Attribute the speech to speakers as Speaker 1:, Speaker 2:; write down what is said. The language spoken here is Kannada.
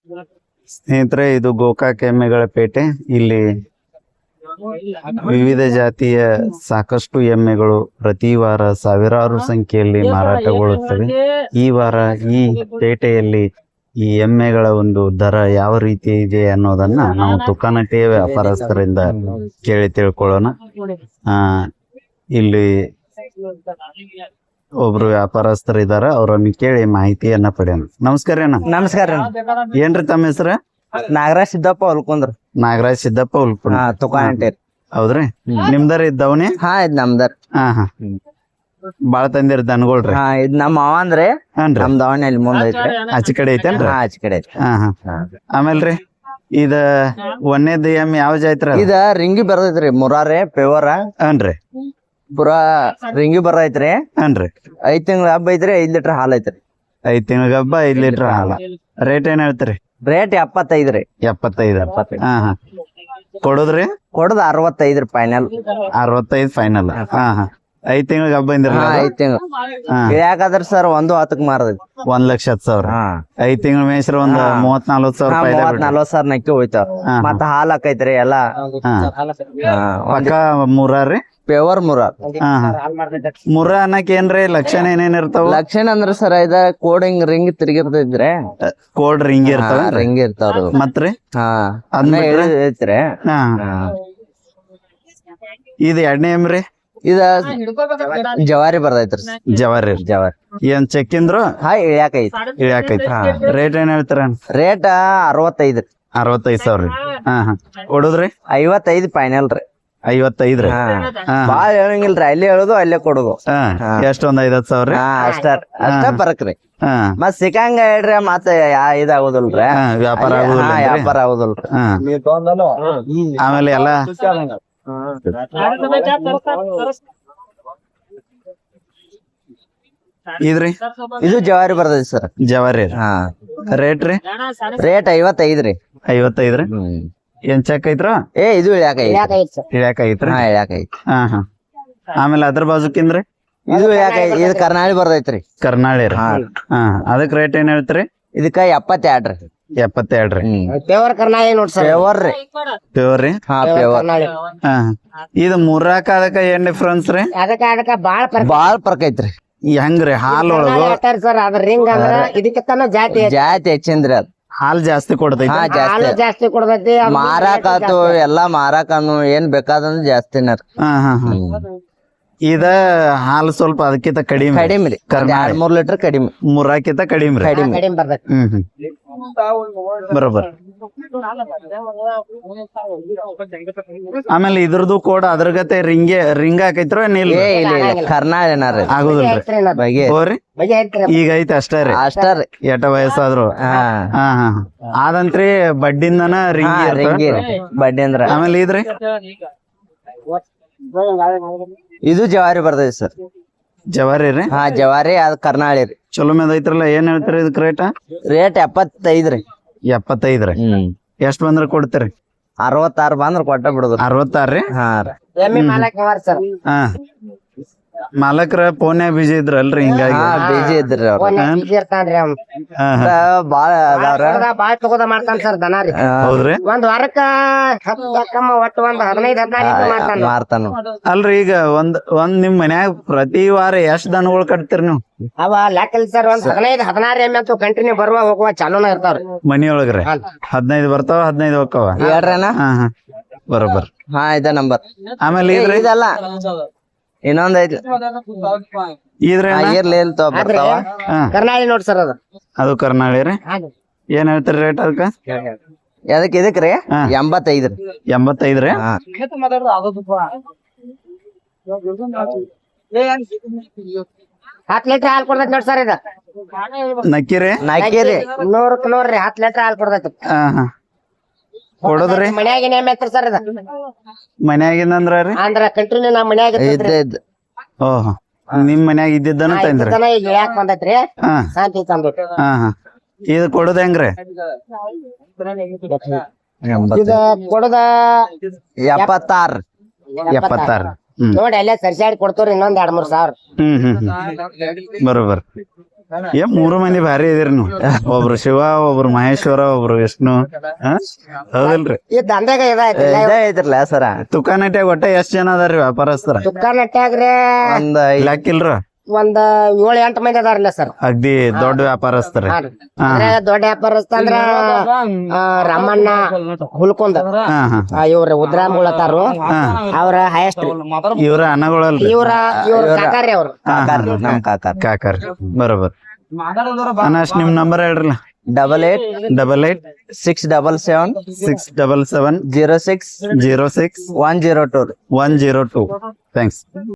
Speaker 1: ಸ್ನೇಹಿತರೆ, ಇದು ಗೋಕಾಕ್ ಎಮ್ಮೆಗಳ ಪೇಟೆ. ಇಲ್ಲಿ ವಿವಿಧ ಜಾತಿಯ ಸಾಕಷ್ಟು ಎಮ್ಮೆಗಳು ಪ್ರತಿ ವಾರ ಸಾವಿರಾರು ಸಂಖ್ಯೆಯಲ್ಲಿ ಮಾರಾಟಗೊಳ್ಳುತ್ತವೆ. ಈ ವಾರ ಈ ಪೇಟೆಯಲ್ಲಿ ಈ ಎಮ್ಮೆಗಳ ಒಂದು ದರ ಯಾವ ರೀತಿ ಇದೆ ಅನ್ನೋದನ್ನ ನಾವು ತುಕಾನಟ್ಟಿಯ ವ್ಯಾಪಾರಸ್ಥರಿಂದ ಕೇಳಿ ತಿಳ್ಕೊಳ್ಳೋಣ. ಇಲ್ಲಿ ಒಬ್ರು ವ್ಯಾಪಾರಸ್ಥರು ಇದಾರ, ಅವರನ್ನು ಕೇಳಿ ಮಾಹಿತಿಯನ್ನ ಪಡೆಯೋಣ. ನಮಸ್ಕಾರ ಅಣ್ಣ.
Speaker 2: ನಮಸ್ಕಾರ.
Speaker 1: ಏನ್ರಿ ತಮ್ಮ ಹೆಸರು?
Speaker 2: ನಾಗರಾಜ್ ಸಿದ್ದಪ್ಪ ಹೊಲ್ಕೊಂಡ್ರ.
Speaker 1: ನಾಗರಾಜ್ ಸಿದ್ದಪ್ಪ ಹೊಲ್ಕೊಂಡ್.
Speaker 2: ತುಕಾನಟ್ಟಿ.
Speaker 1: ಹೌದ್ರಿ? ನಿಮ್ದರ ಇದ್ದವನೇ?
Speaker 2: ಹಾ, ಇದ್ ನಮ್ದರ್.
Speaker 1: ಹಾ ಬಾಳ ತಂದಿರ್ ದನಗಳ್ರಿ?
Speaker 2: ಹಾ, ಇದ್ ನಮ್ಮ ಅವ ಅಂದ್ರೆ ನಮ್ ದಾವಣಿ ಮುಂದ ಐತ್ರಿ.
Speaker 1: ಆಚೆ ಕಡೆ ಐತೇನ್ರಿ?
Speaker 2: ಆಚೆ ಕಡೆ ಐತಿ.
Speaker 1: ಆಮೇಲ್ರಿ ಇದ ಒಂದೇದ್ ಎಮ್ಮೆ ಯಾವ ಜಾತ್ರೆ?
Speaker 2: ಇದ ರಿಂಗಿ ಬರ್ತೈತ್ರಿ, ಮುರಾರೆ ಪೇವರ.
Speaker 1: ಹನ್ರಿ.
Speaker 2: ಪುರಾ ರಿಂಗಿ ಬರ್ತೈತ್ರಿ.
Speaker 1: ಹನ್ರಿ.
Speaker 2: 5 ತಿಂಗಳ ಹಬ್ಬ ಐತ್ರಿ. 5 ಲೀಟರ್ ಹಾಲ್ ಐತ್ರಿ.
Speaker 1: 5 ತಿಂಗಳ ಹಬ್ಬ 5 ಲೀಟರ್ ಹಾಲ. ರೇಟ್ ಏನ್ ಹೇಳ್ತೀರಿ?
Speaker 2: ರೇಟ್ 75 ರೀ.
Speaker 1: 75. ಕೊಡುದ್ರಿ?
Speaker 2: ಕೊಡದ್ 65 ರೀ ಫೈನಲ್.
Speaker 1: 65 ಫೈನಲ್. 5 ತಿಂಗಳ ಹಬ್ಬ ಇಂದ್ರಲ್ಲ?
Speaker 2: 5 ತಿಂಗಳು ಯಾಕಾದ್ರ ಸರ್ 1.10 ಮಾರದೈತಿ.
Speaker 1: 1,10,000. 5 ತಿಂಗಳ ಮೇಸ್ರ ಒಂದ್ 30-40 ಸಾವಿರ.
Speaker 2: 30-40 ಸಾವಿರ ನಕ್ಕಿ ಹೋಯ್ತಾವ. ಮತ್ತ ಹಾಲ್ ಹಾಕೈತ್ರಿ ಎಲ್ಲಾ.
Speaker 1: ಪಕ್ಕ ಮುರಾರಿ?
Speaker 2: ಪೇವರ್ ಮುರಾರ್.
Speaker 1: ಮುರ ಅನ್ನಕ್ ಏನ್ರಿ ಲಕ್ಷಣ ಏನೇನ್ ಇರ್ತಾವ?
Speaker 2: ಲಕ್ಷಣ ಅಂದ್ರ ಸರ್ ಇದ ಕೋಡಿಂಗ್ ರಿಂಗ್ ತಿರ್ಗಿರ್ತೈತ್ರಿ.
Speaker 1: ಕೋಲ್ಡ್ ರಿಂಗ್ ಇರ್ತಾವ?
Speaker 2: ರಿಂಗ್ ಇರ್ತಾವ್ರಿ.
Speaker 1: ಮತ್ರಿ
Speaker 2: ಐತ್ರಿ.
Speaker 1: ಇದು ಎರಡನೇ ಎಮ್ರಿ?
Speaker 2: ಇದ ಜವಾರಿ ಬರ್ತೈತ್ರಿ.
Speaker 1: ಜವಾರಿ. ಏನ್ ಚೆಕ್ಕಿಂದ್ರು? ಇಳ್ಯಾಕೈತಿ. ರೇಟ್ ಏನ್ ಹೇಳ್ತಾರ?
Speaker 2: ರೇಟ್ 65.
Speaker 1: 65 ಸಾವಿರ. ಕೊಡುದ್ರಿ?
Speaker 2: 55 ಫೈನಲ್ ರೀ.
Speaker 1: 55 ರೀ?
Speaker 2: ಬಾಳ ಹೇಳಂಗಿಲ್ರಿ, ಅಲ್ಲೇ ಹೇಳುದು ಅಲ್ಲೇ ಕೊಡುದು.
Speaker 1: ಎಷ್ಟೊಂದ್ 50 ಸಾವಿರ?
Speaker 2: ಅಷ್ಟ ಬರಕ್ರಿ. ಮತ್ ಸಿಕ್ಕಂಗ ಹೇಳ್ರಿ, ಮತ್ತ ಇದಾಗುದಿಲ್ರಿ,
Speaker 1: ವ್ಯಾಪಾರ
Speaker 2: ಆಗುದಿಲ್ರಿ.
Speaker 1: ಆಮೇಲೆ ಎಲ್ಲ ಇದ್ರಿ?
Speaker 2: ಇದು ಜವಾರಿ ಬರ್ತೈತಿ ಸರ್.
Speaker 1: ಜವಾರಿ. ರೇಟ್ ರೀ?
Speaker 2: ರೇಟ್ 55 ರೀ.
Speaker 1: 55 ರೀ? ಏನ್ ಚೆಕ್ ಐತ್ರ?
Speaker 2: ಇದು
Speaker 1: ಇಳ್ಯಾಕೈತ್ರಿ? ಆಮೇಲೆ ಅದ್ರ ಬಾಜುಕಿಂದ್ರಿ?
Speaker 2: ಇದು ಇದು ಕರ್ನಾಳಿ ಬರ್ತೈತ್ರಿ.
Speaker 1: ಕರ್ನಾಳಿ ರೀ? ಅದಕ್ ರೇಟ್ ಏನ್ ಹೇಳ್ತೀರಿ?
Speaker 2: ಇದಕ್ಕ 72 ರೀ.
Speaker 1: 72 ರೀ?
Speaker 2: ಪೇವರ್ ಕರ್ನಾಳಿ ನೋಡ್ ಸರ್. ಪೇವರ್ ರೀ.
Speaker 1: ಪೇವರ್ ರೀ?
Speaker 2: ಪೇವರ್.
Speaker 1: ಇದು ಮುರ್ರಾಕ ಅದಕ್ಕ ಏನ್ ಡಿಫ್ರೆನ್ಸ್ ರೀ?
Speaker 2: ಅದಕ್ಕ ಬಾಳ ಫರ್ಕ್ ಐತ್ರಿ.
Speaker 1: ಹೆಂಗ್ರಿ? ಹಾಲ್ ಒಳಗ
Speaker 2: ಸರ್ ಅದ್ರ ರಿಂಗ್ ಅಂದ್ರ ಇದಕ್ಕಿಂತ ಜಾತಿ ಹೆಚ್ಚಿಂದ್ರಿ. ಅದ್
Speaker 1: ಹಾಲ್ ಜಾಸ್ತಿ ಕೊಡ್ತೈತಿ?
Speaker 2: ಜಾಸ್ತಿ ಕೊಡ್ತೈತಿ. ಮಾರಾಕಾತು ಎಲ್ಲಾ ಮಾರಾಕನು ಏನ್ ಬೇಕಾದಂದ್ರ ಜಾಸ್ತಿನ.
Speaker 1: ಇದ ಹಾಲು ಸ್ವಲ್ಪ ಅದಕ್ಕಿಂತ ಕಡಿಮೆ
Speaker 2: ರೀ. 2-3 ಲೀಟರ್ ಕಡಿಮೆ.
Speaker 1: ಮುರ್ರಾಕಿಂತ ಕಡಿಮೆ ರೀ? ಬರೋಬರ್. ಆಮೇಲೆ ಇದ್ರದ್ದು ಕೂಡ ಅದ್ರ ಗತೆ ರಿಂಗ್ ಹಾಕೈತ್ರ?
Speaker 2: ಕರ್ನಾಳಿ
Speaker 1: ಆಗುದಿಲ್ರಿ? ಈಗ ಐತಿ ಅಷ್ಟೇ ರೀ? ಎಟ ವಯಸ್ಸಾದ್ರು ಆದಂತ್ರಿ ಬಡ್ಡಿಂದನ ರಿಂಗಿ
Speaker 2: ಬಡ್ಡಿ ಅಂದ್ರ.
Speaker 1: ಆಮೇಲೆ ಇದ್ರಿ?
Speaker 2: ಇದು ಜವಾರಿ ಬರ್ತೈತಿ ಸರ್.
Speaker 1: ಜವಾರಿ ರೀ?
Speaker 2: ಜವಾರಿ. ಅದ್ ಕರ್ನಾಳಿ ರೀ.
Speaker 1: ಚಲೋ ಮೇದ್ ಐತ್ರಲ್ಲ. ಏನ್ ಹೇಳ್ತೀರಿ ಇದಕ್ ರೇಟ್?
Speaker 2: ರೇಟ್ 75 ರೀ.
Speaker 1: 75 ರೀ? ಎಷ್ಟ್ ಬಂದ್ರ ಕೊಡ್ತೀರಿ?
Speaker 2: 66 ಬಂದ್ರ ಕೊಟ್ಟ ಬಿಡುದು.
Speaker 1: 66 ರೀ? ಮಾಲಕ್ರ ಫೋನ್ಯಾಗ ಬಿಜಿ ಇದ್ರಲ್ರಿ, ಹಿಂಗಾಗಿ
Speaker 2: ಬಿಜಿ ಇದ್ರಿ ಅವ್ರ. ಬಾಳ ತಗೋದ ಮಾಡ್ತಾನ ಸರ್ ದನ ರೀ.
Speaker 1: ಹೌದ್ರಿ?
Speaker 2: ಒಂದ್ ವಾರಕ್ಕ ಒಟ್ಟು 15-16 ಮಾರ್ತಾನ.
Speaker 1: ಅಲ್ರಿ, ಈಗ ಒಂದ್ ನಿಮ್ ಮನ್ಯಾಗ ಪ್ರತಿ ವಾರ ಎಷ್ಟ್ ದನಗಳು ಕಟ್ತೀರಿ ನೀವು?
Speaker 2: ಅವ ಲೆಕ್ಕ ಸರ್. ಒಂದ್ 15-16 ಎಮ್ಮೆ ಅಂತೂ ಕಂಟಿನ್ಯೂ ಬರುವ ಹೋಗುವ ಚಾಲೂನ ಇರ್ತಾವ್ರಿ
Speaker 1: ಮನಿಯೊಳಗ್ರಿ. 15 ಬರ್ತಾವ, 15 ಹೋಗ್ತಾವ?
Speaker 2: ಹೇಳ್ರಣ್ಣ.
Speaker 1: ಬರೋಬರ್.
Speaker 2: ಇದ ನಂಬರ್.
Speaker 1: ಆಮೇಲೆ ಇದಲ್ಲ
Speaker 2: ಇನ್ನೊಂದ್ ಐತಿ ಬರ್ತಾವ. ಕರ್ನಾಳಿ ನೋಡ್ ಸರ್.
Speaker 1: ಅದು ಕರ್ನಾಳಿ ರೀ? ಏನ್ ಹೇಳ್ತೀರಿ ರೇಟ್ ಅದಕ್ಕ?
Speaker 2: ಇದಕ್ ರೀ 85 ರೀ.
Speaker 1: 85 ರೀ?
Speaker 2: 10 ಲೀಟರ್ ಹಾಲ್ ಕೊಡ್ತೈತಿ ನೋಡ್ ಸರ್. ಇದು
Speaker 1: ನಕ್ಕಿರಿ?
Speaker 2: 100 ನೋಡ್ರಿ. 10 ಲೀಟರ್ ಹಾಲ್ ಕೊಡ್ತೈತಿ.
Speaker 1: ಕೊಡೋದ್ರಿ?
Speaker 2: ಮನ್ಯಾಗಿನ ಎಮ್ಮೆ ಐತ್ರಿ ಸರ್. ಇದು
Speaker 1: ಮನ್ಯಾಗಿಂದ ಅಂದ್ರ
Speaker 2: ಕಂಟಿನ್ಯೂ ನಮ್ ಮನ್ಯಾಗ
Speaker 1: ಓಹ್, ನಿಮ್ ಮನ್ಯಾಗ ಇದ್ದಿದ್ದನ ತಂದ್ರಿ?
Speaker 2: ಯಾಕೆ ಬಂದೈತ್ರಿ? ಶಾಂತಿ ತಂದ್ರಿ.
Speaker 1: ಇದು ಕೊಡೋದ್ ಹೆಂಗ್ರಿ?
Speaker 2: ಇದು ಕೊಡದ 76.
Speaker 1: 76
Speaker 2: ನೋಡಿ ಅಲ್ಲೇ ಸರ್ಸಾಡಿ ಕೊಡ್ತವ್ರಿ. ಇನ್ನೊಂದ್ 2-3 ಸಾವಿರ.
Speaker 1: ಬರೋಬರ್. ಏನ್ 3 ಮಂದಿ ಭಾರಿ ಇದೀರಿ ನೀವು. ಒಬ್ರು ಶಿವ, ಒಬ್ರು ಮಹೇಶ್ವರ, ಒಬ್ರು ವಿಷ್ಣು. ಹಾ? ಹೌದಿಲ್ರಿ?
Speaker 3: ಈ ದಂಧೆಗ ಇದಾಯ್ತು
Speaker 2: ಇದೇ ಐತ್ರಲ್ಲ ಸರ.
Speaker 1: ತುಕಾನಟ್ಯಾಗ ಒಟ್ಟ ಎಷ್ಟ್ ಜನ ಅದಾರ್ರಿ ವ್ಯಾಪಾರಸ್ಥರ?
Speaker 3: ದುಕಾನಟ್ಯಾಗ್ರೆ
Speaker 2: ಒಂದ್
Speaker 1: ಲೆಕ್ಕ ಇಲ್ರ?
Speaker 3: ಒಂದ್ 7-8 ಮಂದಿ ಅದಾರಲ್ಲ ಸರ್.
Speaker 1: ಅಗ್ದಿ ದೊಡ್ಡ ವ್ಯಾಪಾರಸ್ಥರಿ.
Speaker 3: ಅಂದ್ರೆ ದೊಡ್ಡ ವ್ಯಾಪಾರಸ್ಥ ಅಂದ್ರ ರಾಮಣ್ಣ ಹುಲ್ಕೊಂಡ್
Speaker 1: ಹಾ ಹಾ
Speaker 3: ಇವ್ರ ಉದ್ರಾಮ್ಗಳತ್ತಾರು ಅವ್ರ ಹೈಯೆಸ್ಟ್
Speaker 1: ಇವ್ರ ಅನ್ನಗಳಲ್ರಿ?
Speaker 3: ಇವ್ರ ಕಾಕಾರಿ ಅವ್ರು.
Speaker 2: ನಮ್ ಕಾಕಾರ್.
Speaker 1: ಕಾಕರ್ ಬರೋಬರ್. ಅಣ್ಣ ಅಷ್ಟ್ ನಿಮ್ ನಂಬರ್ ಹೇಳ್ರಲ್ಲ.
Speaker 2: 88 677
Speaker 1: 677
Speaker 2: 06
Speaker 1: 06
Speaker 2: 102.
Speaker 1: 102. ಥ್ಯಾಂಕ್ಸ್.